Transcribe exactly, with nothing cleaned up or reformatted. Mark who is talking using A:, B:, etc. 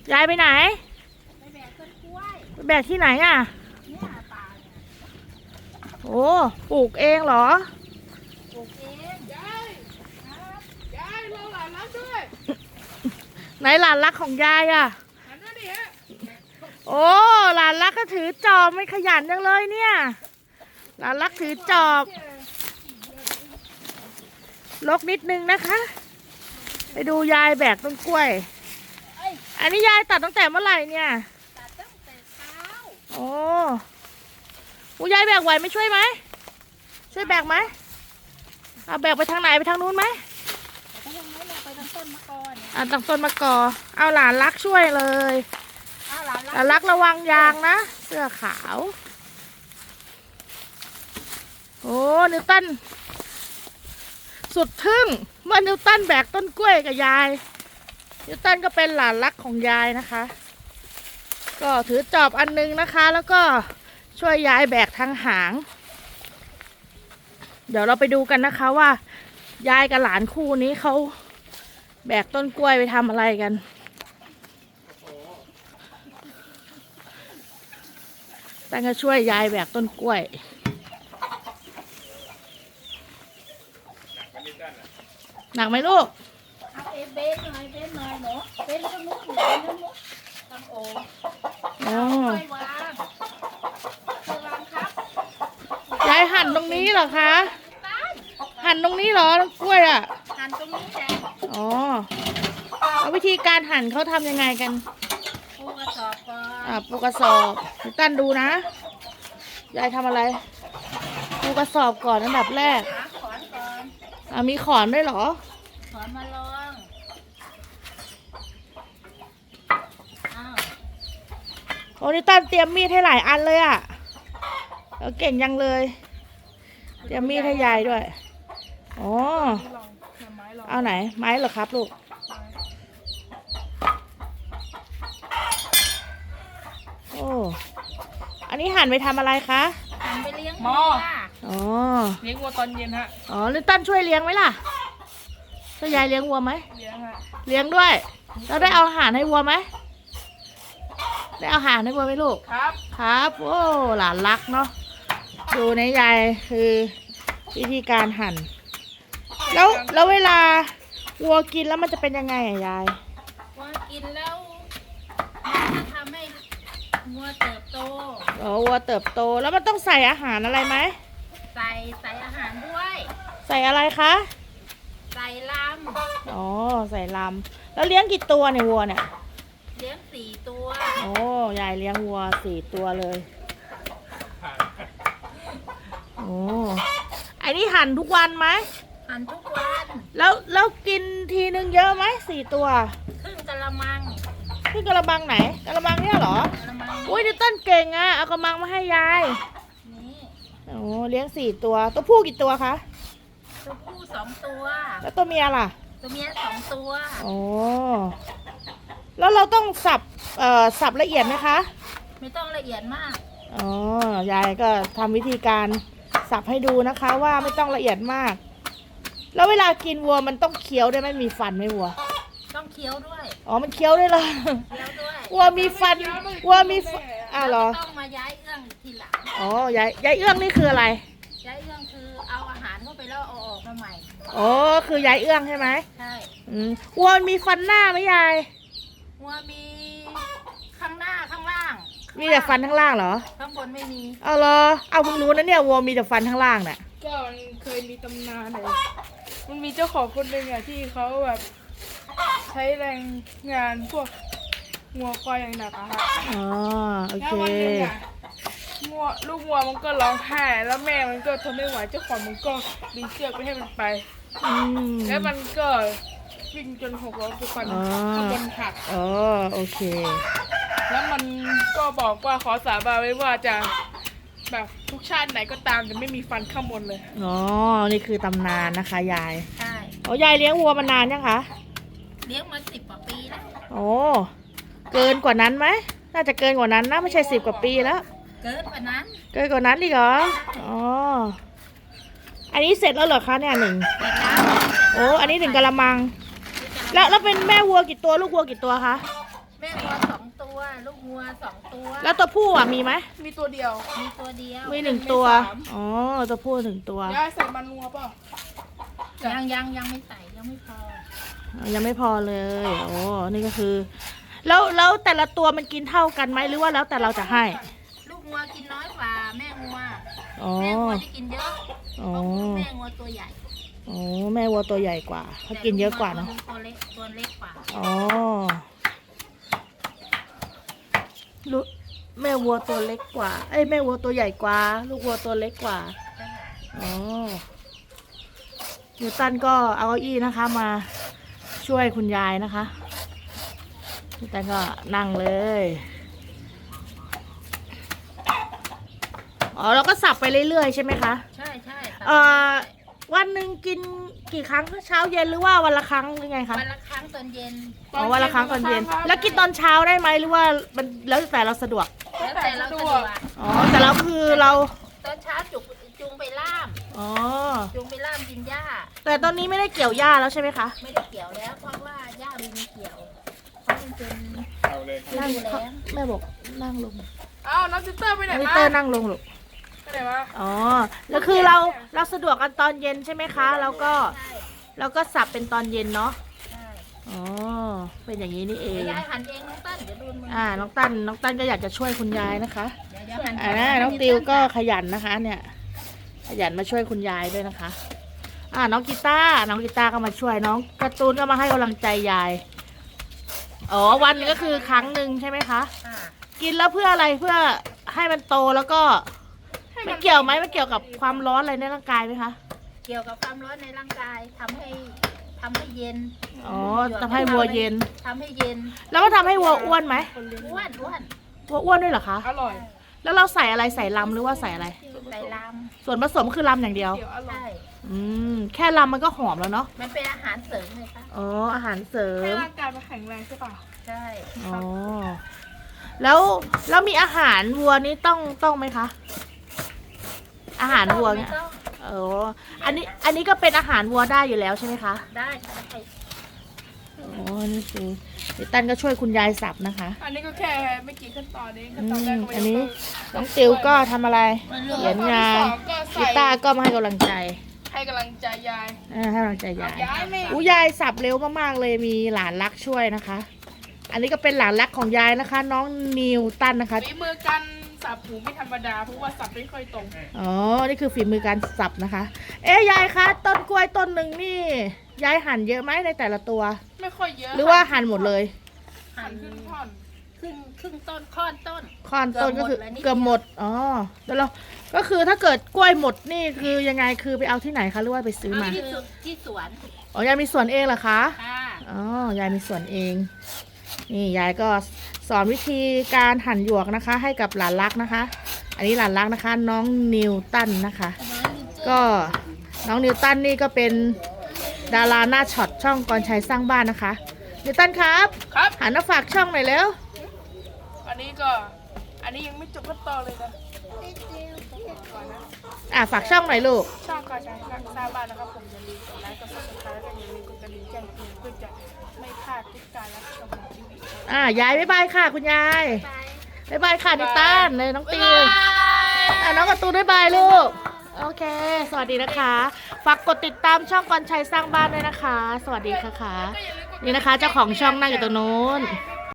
A: ยายไปไหน
B: ไปแบกต้นกล้วย
A: ไปแบกที่ไหนอ่ะ
B: เนี่ยป่าเนี่ย
A: โอ้ปลูกเองเหรอ
B: ปลูกเอง
C: ยาย
B: ครับ
C: ยายเราหลานรักด้วย
A: ไหนหลานรักของยายอ่ะ
C: หันมาดิฮะ
A: โอ้หลานรักก็ถือจอบไม่ขยันจังเลยเนี่ยหลานรักถือจอบลกนิดนึงนะคะไปดูยายแบกต้นกล้วยอันนี้ยายตัดตั้งแต่เมื่อไหร่เนี่ย
B: ตัดตั้งแต่เช้า
A: โอ้ผู้ยายแบกไหวไม่ช่วยไหมช่วยแบกไหมเอาแบกไปทางไหนไปทางนู้นไหม
B: ไปทางนู้นเลยไปทางต้นมะกอเนี่ย
A: อ่ะตังต้นมะกอเอาหลานรักช่วยเลย
B: อ้าวหลาน
A: หลานรักระวังยางนะเสื้อขาวโอ้นิวตันสุดทึ่งเมื่อนิวตันแบกต้นกล้วยกับยายนิวตันก็เป็นหลานรักของยายนะคะก็ถือจอบอันนึงนะคะแล้วก็ช่วยยายแบกทางหางเดี๋ยวเราไปดูกันนะคะว่ายายกับหลานคู่นี้เขาแบกต้นกล้วยไปทำอะไรกันตั้งก็ช่วยยายแบกต้นกล้วยหนักไหมลูก
B: เอาเอเบนหน่อยเบนหน่อยหนูเบนตรงนู้นเบนตรงนู้นตั้งโอ่ง
A: อ๋อ
B: ค่อยวางค่อยวางครับ
A: ยายหั่นตรงนี้เหรอคะหั่นตรงนี้เหรอต้นกล้วยอ่ะ
B: หั่นตรงนี้แหละ
A: อ๋อแล้ววิธีการหั่นเขาทำยังไงกัน
B: ปูกระสอบก่อน
A: อ่าปูกระสอบนิวตันดูนะยายทำอะไรปูกระสอบก่อนอันดับแรก
B: หาขอนก่อน
A: อ่ามีขอนด้วยเหรอ
B: ขอนมาลองอ้าว
A: โอ้นิวตันเตรียมมีดให้หลายอันเลยอ่ะแล้วเก่งยังเลยเตรียมมีดให้ยายด้วยอ๋อ
C: ลองไม้ลอง
A: เอาไหนไม้เหรอครับลูกโอ้อันนี้หั่นไปทำอะไรคะ
B: หั่นไปเลี้ยง
C: หม้อ
A: อ๋อ
C: เลี้ยงวัวตอนเย็นฮะ
A: อ๋อนิวตันช่วยเลี้ยงไหมล่ะช่วยยายเลี้ยงวัวไหม
C: เลี้ยงฮะ
A: เลี้ยงด้วยแล้วได้เอาอาหารให้วัวไหมได้เอาอาหารให้วัวไหมลูก
C: ครับ
A: ครับโอ้หลานรักเนาะดูในยายคือวิธีการหั่นแล้วแล้วเวลาวัวกินแล้วมันจะเป็นยังไงอะยาย
B: วัวกินแล้วมันจะทำให้วัวเติบโต
A: อ๋อวัวเติบโตแล้วมันต้องใส่อาหารอะไรไหม
B: ใส่ใส่อาหารด้วย
A: ใส่อะไรคะ
B: ใส่ล
A: ำอ๋อใส่ลำแล้วเลี้ยงกี่ตัวเนี่ยวัวเนี่ย
B: ำเลี้ยงสี่ตัว
A: โอ้ยายเลี้ยงวัวสี่ตัวเลยโอ้อันนี้หั่นทุกวันไหม
B: หั่นทุกวัน
A: แล้วแล้วกินทีนึงเยอะไหมสี่ตัว
B: ครึ่งกะละมัง
A: ที่กระมังไหนกระมังเนี่ยเหรอก
B: ะละมัง
A: อุ้ยนิวตันเก่งอ่ะเอากระมังมาให้ยาย
B: นี่
A: โอ้เลี้ยงสี่ตัวตัวผู้กี่ตัวคะ
B: ตัวผู้สองตัว
A: แล้วตัวเมียล่ะ
B: ตัวเมียสองตัว
A: โอ้แล้วเราต้องสับเอ่อสับละเอียดไหมคะ
B: ไม่ต้องละเอียดมาก
A: อ๋อยายก็ทำวิธีการสับให้ดูนะคะว่าไม่ต้องละเอียดมากแล้วเวลากินวัวมันต้องเคี้ยวได้ไหมมีฟันไหมวัว
B: ต้องเคี้ยวด้วย
A: อ๋อมันเคี้ยวด้วยเหรอ
B: เคี้ยวด้วย
A: วัวมีฟันวัวมีอ้าวเหรอ
B: ต้องมาย้ายเอื้องทีหลัง
A: อ๋อยายยายเอื้องนี่คืออะไร
B: ย้ายเอื้องคือเอาอาหารเข้าไปแล้วเอาออกมาใหม่
A: อ๋อคือยายเอื้องใช่ไหม
B: ใช่
A: อืมวัวมีฟันหน้าไหมยาย
B: วัวมีข้างหน้าข้างล่าง
A: มีแต่ฟันข้างล่างเหรอ
B: ข้างบนไม่มี
A: เอาเหรอเอาเพิ่งรู้นะเนี่ยวัวมีแต่ฟันข้างล่างเนี่ย
C: ก็มันเคยมีตำนานเลยมันมีเจ้าของคนหนึ่งอะที่เขาแบบใช้แรงงานพวกงัวควายอย่างหนักอะค่ะ
A: อ๋อโอเค
C: แล้ววันหนึ่งอะงัวลูกงัวมันก็ร้องไห้แล้วแม่มันก็ทนไม่ไหวเจ้าของมันก็ดึงเชือกไปให้มันไปแล้วมันก็วิ่งจนหกล้มทุกคนข้างบนหัก
A: อ๋อโอเค
C: แล้วมันก็บอกว่าขอสาบานไว้ว่าจะแบบทุกชาติไหนก็ตามจะไม่มีฟันข้างบนเลย
A: อ๋อนี่คือตำนานนะคะยาย
B: ใช่
A: โอ้ยายเลี้ยงวัวมานานยังคะ
B: เลี้ยงมาสิบกว่าปีแล้ว
A: โอ้เกินกว่านั้นไหมน่าจะเกินกว่านั้นนะไม่ใช่สิบกว่าปีแล้ว
B: เกินกว่านั้น
A: เกินกว่านั้นอีกเหรออ๋ออันนี้เสร็จแล้วเหรอคะเนี่ยหนึ่งโอ้อันนี้หนึ่งกะละมังแล้วแล้วเป็นแม่วัวกี่ตัวลูกวัวกี่ตัวคะ
B: แม่วัวสองตัว ลูกวัวสองตัว
A: แล้วตัวผู้อ่ะมีไหม
C: มีตัวเดียว
B: มีตัวเดียว
A: มีหนึ่งตัว อ๋อ ตัวผู้หนึ่งตัว
C: ย่าใส่มันงัวเปล่า
B: ยังยังยังไม่ใส่ยังไม่พอ
A: ยังไม่พอเลย โอ้ นี่ก็คือ แล้วแล้วแต่ละตัวมันกินเท่ากันไหมหรือว่าแล้วแต่เราจะให้
B: ลูกวัวกินน้อยกว่าแม่วัว
A: อ๋อ
B: แม่วัวจะกินเยอะ
A: อ๋อ
B: เพราะแม่วัวตัวใหญ่
A: อ๋อ แม่วัวตัวใหญ่กว่าเขากินเยอะกว่าเนาะ
B: ตัวเล็กตัวเล็กกว่า
A: อ๋อลูกแม่วัวตัวเล็กกว่า เอ้ยแม่วัวตัวใหญ่กว่า ลูกวัวตัวเล็กกว่า อ๋อนิวตันก็เอาเก้าอี้นะคะมาช่วยคุณยายนะคะนิวตันก็นั่งเลย อ๋อเราก็สับไปเรื่อยๆใช่ไหมคะ
B: ใช่ใช่
A: เอ่อวันหนึ่งกินกี่ครั้งคะเช้าเย็นหรือว่าวันละครั้งหรือไงคะ
B: วันละครั้งตอนเย็น
A: อ๋อวันละครั้งตอนเย็น แล้วกินตอนเช้าได้ไหมหรือว่ามันแล้วแต่เราสะดวก
B: แล้วแต่เราสะดวก
A: อ๋อแต่เราคือเรา
B: ตอนเช้าจุกจุงไปล่าม
A: อ๋อ
B: จุงไปล่ามกินหญ้า
A: แต่ตอนนี้ไม่ได้เกี่ยวหญ้าแล้วใช่ไหมคะ
B: ไม่ได้เกี่ยวแล้ว เพราะว่าหญ้ามันมีเกี่ยวเพราะมันเป็น
D: เอาเลย
B: ฤ
A: นั่ง
B: ดูแล้ง
A: แม่บอกนั่งลง
C: เอ้าน้องซิสเตอร์ไปไหน
A: มิ
C: มา
A: เตอร์นั่งลงลูก
C: ไปไหนมา
A: อ๋อแล้วคือเราเราสะดวกกันตอนเย็นใช่ไหมคะแล้วก็
B: ใช่
A: เราก็สับเป็นตอนเย็นเนาะ
B: ใช่
A: อ๋อเป็นอย่างนี้นี่เอง
B: ยายหั่นเองน้องตั้นเดี๋ยวดูมือ
A: อ่าน้องตั้นน้องตั้นก็อยากจะช่วยคุณยายนะคะ
B: เดี๋ยวเดี๋ยวหั่น
A: อ่านะน้องติวก็ขยันนะคะ เนี่ย ขยันมาช่วยคุณยายด้วยนะคะ อ่าน้องกีตาร์น้องกีตาร์ก็มาช่วยน้องการ์ตูนก็มาให้กำลังใจยายอ๋อวันหนึงก็คือครั้งหนึ่งใช่ไหมคะ
B: อ่า
A: กินแล้วเพื่ออะไรเพื่อให้มันโตแล้วก็ไม่เกี่ยวไหมไม่เกี่ยวกับความร้อนอะไรในร่างกายไหมคะ
B: เกี่ยวกับความร้อนในร่างกายทำให้ทำให้เย็น
A: อ๋อทำให้วัวเย็น
B: ทำให้เย็น
A: แล้วก็ทำให้วัวอ้วนไหม
B: อ้วนอ้วน
A: วัวอ้วนด้วยเหรอคะ
C: อร่อย
A: แล้วเราใส่อะไรใส่ลำหรือว่าใส่อะไร
B: ใส่ล
A: ส่วนผสมคือลำอย่างเดียว
C: เดี๋ยวอ
B: ำ
C: ร่อ
B: ใช่
C: ย
A: อืมแค่ลำมันก็หอมแล้วเนาะ
B: มันเป็นอาหารเสริมเลยค่ะ
A: อ๋ออาหารเสริ
C: ให้
A: ม
C: ร่างกายมันแข็งแรงใช่ป่ะ
B: ใช่
A: อ๋อแล้วแล้วมีอาหารวัวนี่ต้องต้องไหมคะ อาหารวัวเนี่ย
B: ไม่ต้อง
A: เอออันนี้อันนี้ก็เป็นอาหารวัวได้อยู่แล้วใช่ไหมคะ
B: ได้ได้
A: อ๋อนี่คือเดี๋ยวตันก็ช่วยคุณยายสับนะคะ
C: อันนี้ก็แค่ไม่กี่ขั้นตอนเอง
A: อื
C: ขั้นตอนแรก
A: ม
C: ก็ไม่
A: อันนี้
C: ต้
A: น้องติวก็ทำอะไร เขียนงาน
C: ก็
A: กี
C: ใส่
A: ตาร์ก็มาให้กำลังใจ
C: ให้กำลังใจยาย
A: อ่าให้กำลังใจยาย
C: ยายไม่
A: อู้ยายสับเร็วมากๆเลยมีหลานรักช่วยนะคะ อันนี้ก็เป็นหลานรักของยายนะคะ น้องนิวตันนะคะ
C: ฝีมือการสับหูไม่ธรรมดาเพราะว่าสับไม่ค่อยตรง
A: อ๋อ นี่คือฝีมือการสับนะคะ เอ๊ะยายคะต้นกล้วยต้นหนึ่งนี่ยายหั่นเยอะไหมในแต่ละตัว
C: ไม่ค่อยเยอะ
A: หรือว่าหั่นหมดเลย
C: หั่นครึ่งท่อน
B: ครึ่งครึ่งต้นค่อนต้น
A: ค่อนต้นก็คือ
B: เกือบหมดเลยนิดเดียว
A: เกือบหมด อ๋อแล้วเราก็คือถ้าเกิดกล้วยหมดนี่คือยังไงคือไปเอาที่ไหนคะหรือว่าไปซื้อมา
B: ที่สวนที่สวน
A: อ๋อยายมีสวนเองเหรอคะ
B: ค่ะ
A: อ๋อยายมีสวนเอง นี่ยายก็สอนวิธีการหั่นหยวกนะคะ ให้กับหลานรักนะคะ อันนี้หลานรักนะคะ น้องนิวตันนะคะ ก็น้องนิวตันนี่ก็เป็นดาราหน้าช็อตช่องกรชัยสร้างบ้านนะคะ นิวตันครับ
C: ครับ
A: หันมาฝากช่องหน่อยเร็ว
C: อันนี้ก็ อันนี้ยังไม่จบขั้นตอนเลยนะก่อนนะ
A: อ่ะฝากช่องหน่อยลูก
C: ช่องก่อนจะสร้างบ้านนะครับผมอย่าลืมกดไลค์กดซับสไครต์แล้วก็อย่าลืมกดกระดิ่งแจ้งเตือนเพื่อจะไม่พลาดทุกการรับชมของทีวี
A: อ่ะยายบ๊ายบายค่ะคุณยาย
B: ไป
A: บ๊ายบายค่ะนิวตันเลยน้องติวอ่ะน้องการ์ตูนบ๊ายบายลูก โอเค สวัสดีนะคะ ฝากกดติดตามช่องกรชัยสร้างบ้านด้วยนะคะ สวัสดีค่ะค่ะ นี่นะคะ เจ้าของช่องนั่งอยู่ตรงนู้น
C: ไม่